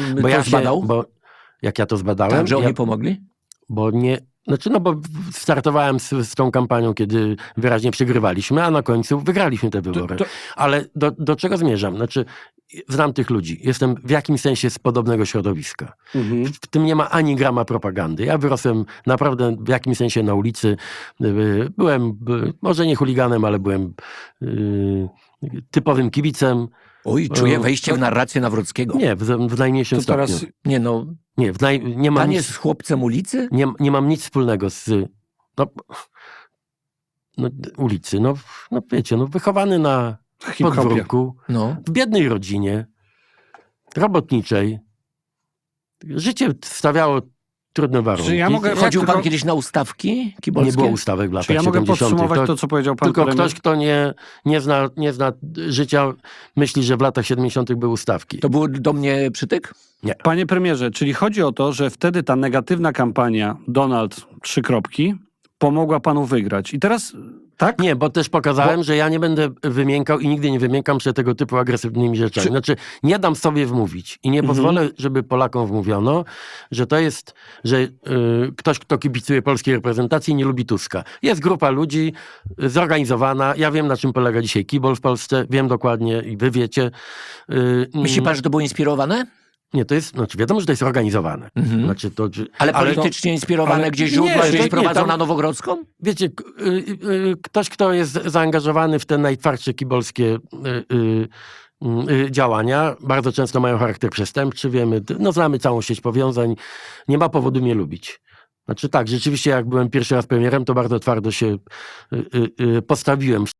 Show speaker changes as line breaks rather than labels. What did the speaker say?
Bo
to zbadał?
Jak ja to zbadałem...
Tak, że oni pomogli?
Bo nie... Znaczy, bo startowałem z tą kampanią, kiedy wyraźnie przegrywaliśmy, a na końcu wygraliśmy te wybory. Ale do czego zmierzam? Znaczy, znam tych ludzi. Jestem w jakimś sensie z podobnego środowiska. W tym nie ma ani grama propagandy. Ja wyrosłem naprawdę w jakimś sensie na ulicy. Byłem, może nie chuliganem, ale byłem typowym kibicem.
Oj, czuję wejście w narrację Nawrockiego.
Nie, w najmniejszym stopniu.
Teraz...
Nie no,
Nie, nie mam
pan
nic,
jest chłopcem ulicy?
nie mam nic wspólnego z ulicy. No wiecie, wychowany na podwórku, w biednej rodzinie, robotniczej. Życie stawiało trudne warunki.
Ja mogę
Chodził pan kiedyś na ustawki kibelskie?
Nie było ustawek w latach
Czy ja mogę
70.
podsumować to, co powiedział pan
Tylko
premier?
ktoś, kto nie zna życia, myśli, że w latach 70. były ustawki.
To był do mnie przytyk?
Nie.
Panie premierze, czyli chodzi o to, że wtedy ta negatywna kampania Donald 3 kropki pomogła panu wygrać. I teraz, tak?
Nie, bo też pokazałem, że ja nie będę wymiękał i nigdy nie wymiękam się tego typu agresywnymi rzeczami. Znaczy, nie dam sobie wmówić i nie pozwolę, żeby Polakom wmówiono, że to jest, że ktoś, kto kibicuje polskiej reprezentacji, nie lubi Tuska. Jest grupa ludzi zorganizowana. Ja wiem, na czym polega dzisiaj kibol w Polsce. Wiem dokładnie i wy wiecie.
Myśli pan, że to było inspirowane?
Nie, to jest, wiadomo, że to jest organizowane. Znaczy
Ale politycznie inspirowane, gdzie źródła gdzieś prowadzą na Nowogrodzką?
Wiecie, ktoś, kto jest zaangażowany w te najtwardsze kibolskie działania, bardzo często mają charakter przestępczy, wiemy, znamy całą sieć powiązań, nie ma powodu mnie lubić. Znaczy tak, rzeczywiście jak byłem pierwszy raz premierem, to bardzo twardo się postawiłem.